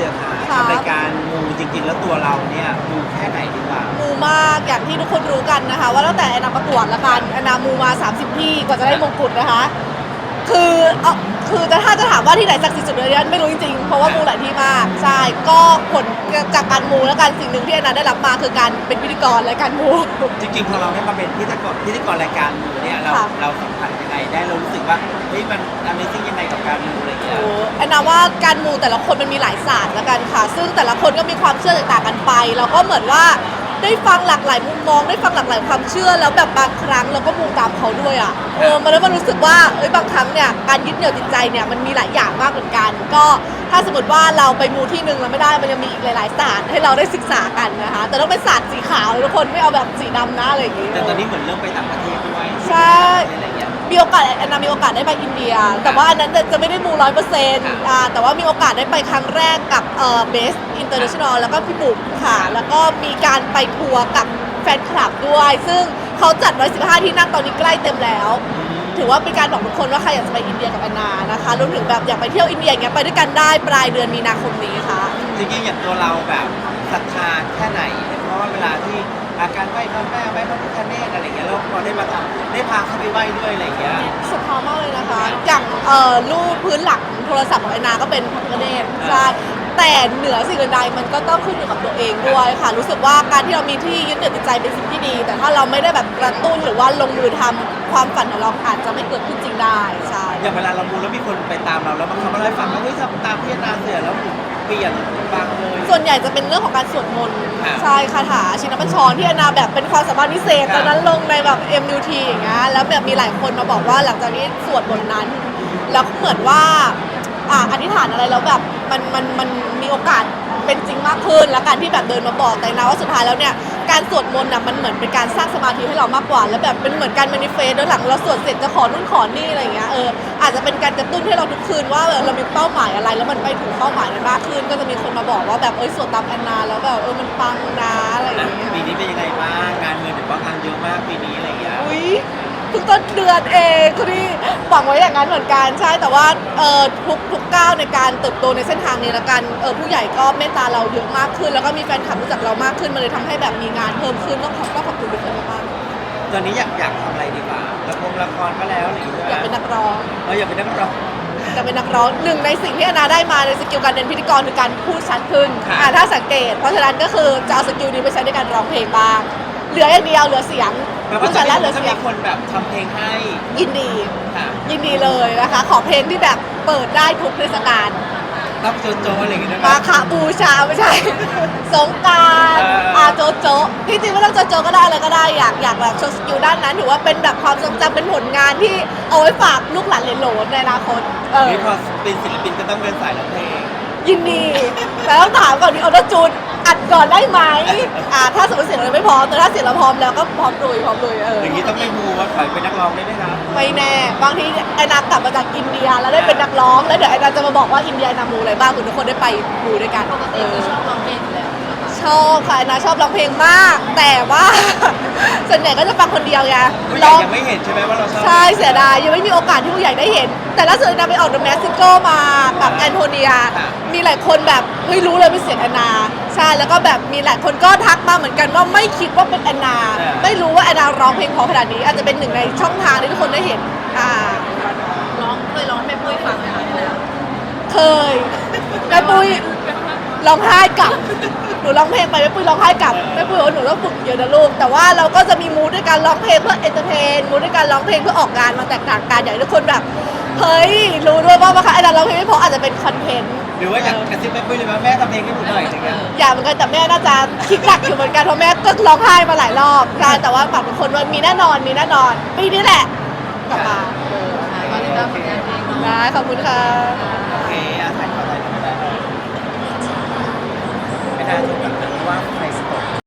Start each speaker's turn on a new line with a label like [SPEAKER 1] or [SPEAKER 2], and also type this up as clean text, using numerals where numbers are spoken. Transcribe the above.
[SPEAKER 1] สือขาทำรายการมูจริงๆแล้วตัวเราเนี่ยมูแค่ไหนดีกว่า
[SPEAKER 2] มูมากอย่างที่ทุกคนรู้กันนะคะว่าตั้งแต่แอนนาประกวดละกันแอนนามูมา30ที่กว่าจะได้มงกุฎนะคะคือถ้าจะถามว่าที่ไหนศักดิ์สิทธิ์สุดเลยไม่รู้จริงๆเพราะว่ามูหลายที่มากใช่ก็ผลจากการมูแล้วกันสิ่งหนึ่งที่แอนนาได้รับมาคือการเป็นพิธีกรรายการมู
[SPEAKER 1] จริงๆพอเราได้มาเป็นพิธีกรรายการมูเนี่ยเราสัมผัสยังไงได้เรารู้สึกว่าเฮ้ยมัน Amazing ยังไงกับการมูอะไรเงี้ย
[SPEAKER 2] แอนนาว่าการมูแต่ละคนมันมีหลายศาสตร์ละกันค่ะซึ่งแต่ละคนก็มีความเชื่อต่างกันไปเราก็เหมือนว่าได้ฟังหลากหลายมุมมองได้ฟังหลากหลายความเชื่อแล้วแบบบางครั้งเราก็มูตามเขาด้วยอ่ะมันแล้วมันรู้สึกว่าบางครั้งเนี่ยการยึดเหนี่ยวจิตใจเนี่ยมันมีหลายอย่างมากเหมือนกันก็ถ้าสมมติว่าเราไปมูที่นึงแล้วไม่ได้มันยังมีอีกหลายๆศาสตร์ให้เราได้ศึกษากันนะคะแต่ต้องเป็นศาสตร์สีขาวเลยทุกคนไม่เอาแบบสีดำนะอะไรอย่างงี้
[SPEAKER 1] แต่ตอนนี้เหมือนเริ่มไปต่างประเทศด้วย
[SPEAKER 2] ใช่มีโอกาสแอนนามีโอกาสได้ไปอินเดียแต่ว่าอันนั้นจะไม่ได้มู100%แต่ว่ามีโอกาสได้ไปครั้งแรกกับเบสอินเตอร์เนชั่นแนลแล้วก็พี่บุ๋มค่ะแล้วก็มีการไปทัวร์กับแฟนคลับด้วยซึ่งเขาจัด115ที่นั่งตอนนี้ใกล้เต็มแล้วถือว่าเป็นการบอกทุกคนว่าใครอยากจะไปอินเดียกับแอนนานะคะรวมถึงแบบอยากไปเที่ยวอินเดียอย่างเงี้ยไปด้วยกันได้ปลายเดือนมีนาคมนี้ค่ะ
[SPEAKER 1] จริงๆอย่างตัวเราแบบศรัทธาแค่ไหนเพราะว่าเวลาที่อาการไหว้พระแม่ไหว้พระพิฆเนศอะไรอย่างเงี้ยเราพอได้มาทำได้พาเขาไปไหว้ด้วยอะไรอย่างเงี้ย
[SPEAKER 2] สุดท้ามากเลยนะคะอย่างรูปพื้นหลังโทรศัพท์ของแอนนาก็เป็นพระพิฆเนศใช่แต่เหนือสิ่งอื่นใดมันก็ต้องขึ้นอยู่กับตัวเองด้วยค่ะรู้สึกว่าการที่เรามีที่ยึดเหนี่ยวจิตใจเป็นสิ่งที่ดี แต่ถ้าเราไม่ได้แบบกระตุ้นหรือว่าลงมือทำความฝันของเราอาจจะไม่เกิดขึ้นจริงได้ใช่
[SPEAKER 1] อย่างเวลาเรามูแล้วมีคนไปตามเราแล้วบางครั้งเราได้ฟังว่าเฮ้ยทำตามพี่นาเสือแล้วเปลี่ยนฟังเลย
[SPEAKER 2] ส่วนใหญ่จะเป็นเรื่องของการสวดมนต์ใช่คาถาชินบัญชรที่แอนนาแบบเป็นความสามารถพิเศษตอนนั้นลงในแบบ MUT อย่างเงี้ยแล้วแบบมีหลายคนมาบอกว่าหลังจากนี้สวดบทนั้นแล้วเหมือนว่าอธิษฐานอะไรแล้วแบบมันมีโอกาสเป็นจริงมากขึ้นแล้วการที่แบบเดินมาบอกแต่นะว่าสุดท้ายแล้วเนี่ยการสวดมนต์น่ะมันเหมือนเป็นการสร้างสมาธิให้เรามากกว่าแล้วแบบเป็นเหมือนการแมนิเฟสต์ด้วยหลังเราสวดเสร็จจะขอนู่นขอนี่อะไรอย่างเงี้ยอาจจะเป็นการกระตุ้นให้เราทุกคืนว่าเรามีเป้าหมายอะไรแล้วมันไปถึงเป้าหมายนั้นมากขึ้นก็จะมีคนมาบอกว่าแบบสวดตามแอนนาแล้วแบบมันปังนะอะไรอย่างเงี้ย
[SPEAKER 1] ปีนี้เป็นยังไงบ้างงานเงินถือว่างานเยอะมากปีนี้อะไรอย่างเงี้ย
[SPEAKER 2] เพิ่งต้นเดือนเองคุณพี่หวังไว้อย่างนั้นเหมือนกันใช่แต่ว่าทุกก้าวในการเติบโตในเส้นทางนี้ละกันผู้ใหญ่ก็เมตตาเราเยอะมากขึ้นแล้วก็มีแฟนคลับรู้จักเรามากขึ้นมันเลยทำให้แบบมีงานเพิ่มขึ้นต้องขอบคุณทุกคนมาก
[SPEAKER 1] ตอนนี้อยากทำอะไรดีกว่าละครก็แล้วหรือ
[SPEAKER 2] อยากเป็นนักร้อง
[SPEAKER 1] อยากเป็นนักร้อง
[SPEAKER 2] จะเป็นนักร้องหนึ่งในสิ่งที่แอนนาได้มาในสกิลการเป็นพิธีกรคือการพูดชัดขึ้นถ้าสังเกตเพราะฉะนั้นก็คือจะเอาสกิลนี้ไปใช้ในการร้องเพลงบ้างเหลืออย่างเดียวเหลือเสียง
[SPEAKER 1] พูดชัดแล้วเหลือเสียงคนแบบทำเพลงให้
[SPEAKER 2] ยินดีเลยนะคะขอเพลงที่แบบเปิดได้ทุกเทศกาล
[SPEAKER 1] รับโจโจอะไรอย่างเงี้ย
[SPEAKER 2] มาคะบูชาไม่ใช่สงกรานต์โจโจที่จริงไม่ต้องโจโจก็ได้อะไรก็ได้อยากแบบโชว์สกิลด้านนั้นถือว่าเป็นแบบความทรงจำเป็นผลงานที่เอาไว้ฝากลูกหลานเหลนโหลนในอนาคต
[SPEAKER 1] นี่พอเป็นศิลปินก็ต้องเดินสายร้องเพลง
[SPEAKER 2] ยินดีแต่ต้องถามก่อนมีออโต้จูนอัดก่อนได้ไหมถ้าสมมติเสียงเราไม่พร้อมแต่ถ้าเสียงเราพร้อมแล้วก็พร้อมลุย
[SPEAKER 1] อย่างนี้ต้องไม่มูว่าขอเป็นนักร้องได้ไหมครับ
[SPEAKER 2] ไม่แน่บางทีไอ้นากลับมาจากอินเดียแล้วได้เป็นนักร้องแล้วเดี๋ยวไอ้นาจะมาบอกว่าอินเดียนามูอะไรบ้างทุกคนได้ไปดูด้วยกัน
[SPEAKER 3] ชอบร้องเพลงอยู่แล้ว
[SPEAKER 2] ชอบค่ะไอ้นาชอบร้องเพลงมากแต่ว่าส่วนใหญ่ก็จะฟังคนเดียวไง
[SPEAKER 1] ผู้ใหญ่ยังไม่เห็นใช่ไหมว่าเราชอบ
[SPEAKER 2] ใช่เสียดายยังไม่มีโอกาสที่ผู้ใหญ่ได้เห็นแต่ล่าสุดนาไปออกเดอะแมสซิโก้มากับแอนโทเนียมีหลายคนแบบไม่รู้เลยเป็นเสียงแอนนาใช่แล้วก็แบบมีหลายคนก็ทักมาเหมือนกันว่าไม่คิดว่าเป็นแอนนาไม่รู้ว่าแอนนาร้องเพลงเพราะขนาดนี้อาจจะเป็นหนึ่งในช่องทางที่ทุกคนได้เห็น
[SPEAKER 3] เคยร้องให้แม่ปุ้ยฟังไหมคะ
[SPEAKER 2] เคยแม่ปุ้ยร้องไห้กลับหนูร้องเพลงไปแม่ปุ้ยร้องไห้กลับแม่ปุ้ยบอกว่าหนูต้องฝึกเยอะนะลูกแต่ว่าเราก็จะมีมูดด้วยการร้องเพลงเพื่อเอนเตอร์เทนมูดด้วยการร้องเพลงเพื่อออกงานมาแตกต่างกันอย่างทุกคนแบบเฮ้ยรู้ด้วยว่าไอ้เราร้องเพลงไม่พออาจจะเป็นคอนเทนต์
[SPEAKER 1] หรือว่าอยากกระซิบแม่ปุ้ยเลยว่าแม่ทำเพลงให้หนูหน่อยอย่างเงี้ย
[SPEAKER 2] อยากเหมือนกันแต่แม่น่าจะคิดหนักอยู่เหมือนกันเพราะแม่ก็ร้องไห้มาหลายรอบใช่แต่ว่าฝากทุกคนว่ามีแน่นอนปีนี้แหละกลับมา
[SPEAKER 3] ก็ติดตามผลงานเพลง
[SPEAKER 2] ได้ขอบคุณค่ะ